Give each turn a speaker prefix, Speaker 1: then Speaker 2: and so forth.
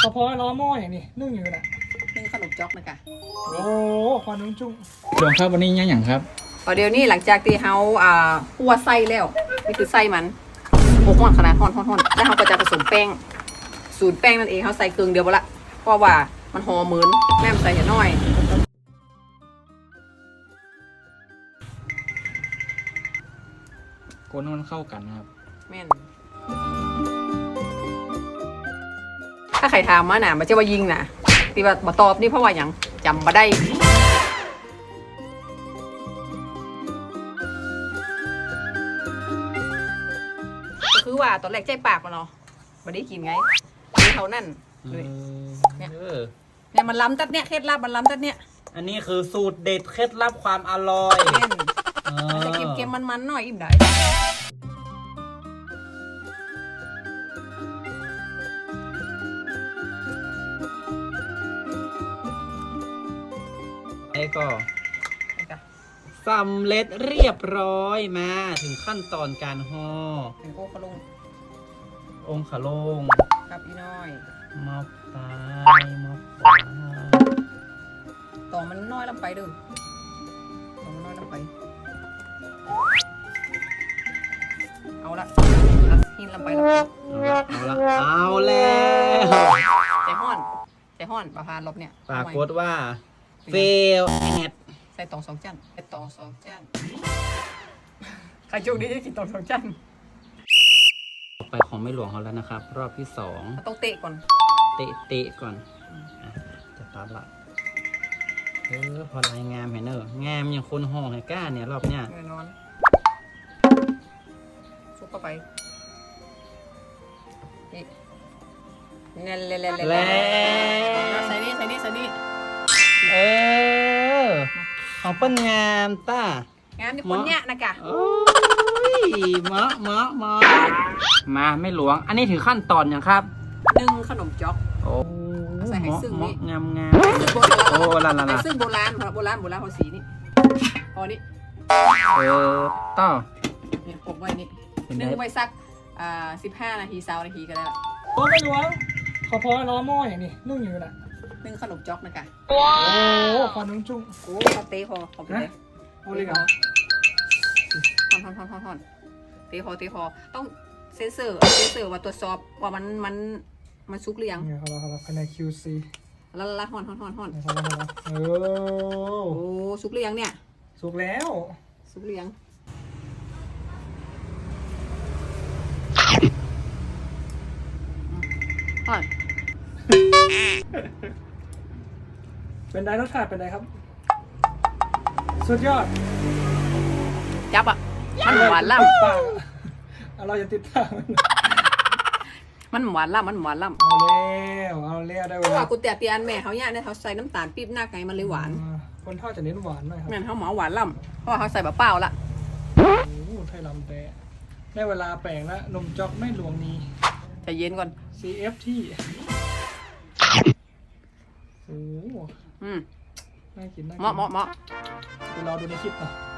Speaker 1: กระเพาะล้อหม้ออย่างนี้นึ่งอยู่น่ะ
Speaker 2: นึ่งขนมจ๊อกนะคะ
Speaker 1: โอ้ควันนุ่งจุ้ง
Speaker 3: หลวงครับวันนี้ยังครับ
Speaker 2: เดี๋ยวนี้หลังจากที่เขาคั่วไส้แล้วนี่คือไส้มันโอ้ห่อนขนาดห่อนแล้วเขาก็จะผสมแป้งสูตรแป้งนั่นเองเขาใส่เกลือเดียวละเพราะว่ามันหอมเหมือนแม่ใส่น้อย
Speaker 3: คนมันเข้ากันนะครับ
Speaker 2: แม่นถ้าใครถามมาหนามันจะว่ายิงนะที่ว่าบ่ตอบนี่เพราะว่าอย่างจำมาได้ก็คือว่าตอนแรกใจปากมันเนาะไม่ได้กินไงเขานั่นเนี่ยมันล้ำตัดเนี่ยเคล็ดลับมันล้ำตัดเนี่ย
Speaker 4: อันนี้คือสูตรเด็ดเคล็ดลับความอร่อย
Speaker 2: มันจะเค็มๆมันๆหน่อยอิ่มได้
Speaker 4: ไอ้ก็สำเร็จเรียบร้อยมาถึงขั้นตอนการห่อ
Speaker 2: เป็นโอ้ขลง
Speaker 4: องค์ขลง
Speaker 2: กับอีน้อย
Speaker 4: มอบตายมอบขวา
Speaker 2: ต่อมันน้อยลงไปดูต่อมันน้อยลงไปเอาละหินลงไปแล้ว
Speaker 4: เอาแล้ว
Speaker 2: ใจห้อนประพานลบเนี่ย
Speaker 4: ปรากฏว่าเฟลแอด
Speaker 2: ใส่ตอง2 จานใส่ตอง2 จานใครโชคดีจะกินตอง2 จาน
Speaker 4: ไปของไม่หลวงเขาแล้วนะครับรอบที่2
Speaker 2: ต้องเตะก่อน
Speaker 4: เตะก่อนจะตัดละพอลายงามเห็นเนอะงามอย่างคนห่อให้ก้าเนี่ยรอบเนี้ย
Speaker 2: แน่นอนซุปเข้าไปนี่ใส่นี่
Speaker 4: ของเปิ้ลงามต้
Speaker 2: างามที่คนเนี้ยนะกะ
Speaker 4: โอ้ยเหมาะมาไม่หลวงอันนี้ถึงขั้นตอนยังครับ
Speaker 2: นึ่งขนมจ๊อก
Speaker 4: โอ้
Speaker 2: ใส่ไข่ซึ่งนี่
Speaker 4: งามโอ้ลา
Speaker 2: ไข่ซึ่งโบราณเขาสีนี่พอนี่
Speaker 4: ต่อ
Speaker 2: เนี่ยกบไว้นี่นึ่งไว้สัก15 นาที20 นาทีก็ได้ละ
Speaker 1: โอ้ไม่หลวงกระเพาะล้อหม้ออย่างนี้นึ่งอยู่น่ะ
Speaker 2: นึ่งขนมจ๊อกนะคะ
Speaker 1: โอ้ควันนุ่งจุ้ง
Speaker 2: โอ้เตะพอไปเลย
Speaker 1: เอาเลยครับ
Speaker 2: ท่อนเตะพอต้องเซ็นเซอร์ว่าตรวจสอบว่ามันสุกหรือยัง
Speaker 1: เนี่ยครับภายใน QC
Speaker 2: ละห่อน
Speaker 1: โอ้
Speaker 2: สุกหรือยังเนี่ย
Speaker 1: สุกแล้ว
Speaker 2: สุกหรือยังห่อน
Speaker 1: เป็นไดรสชาติเป็นไดครับสุดยอด
Speaker 2: จับอ่ะมันหวานล่
Speaker 1: ำเราอย่าติดตาม
Speaker 2: มันหวานล่ำ
Speaker 1: เอาแล้วได้เวลา
Speaker 2: กูแต่เตียนแม่เขาเนี่ยเขาใส่น้ำตาลปี๊บหน้าไก่มันเลยหวาน
Speaker 1: คนทอดจะเน้นหวานหน่อยครับ
Speaker 2: แม่เขาหมอหวานล่ำเพราะเขาใส่เปล่าละ
Speaker 1: โอ้ไทยลำแต่ได้เวลาแปลงแล้วนมจ๊อกไม่หลวงนี้
Speaker 2: ใจเย็นก่อน
Speaker 1: CFT โอ้
Speaker 2: น่า
Speaker 1: กิน
Speaker 2: เหมาะ
Speaker 1: เดี๋ยวรอดูในคลิปต่อ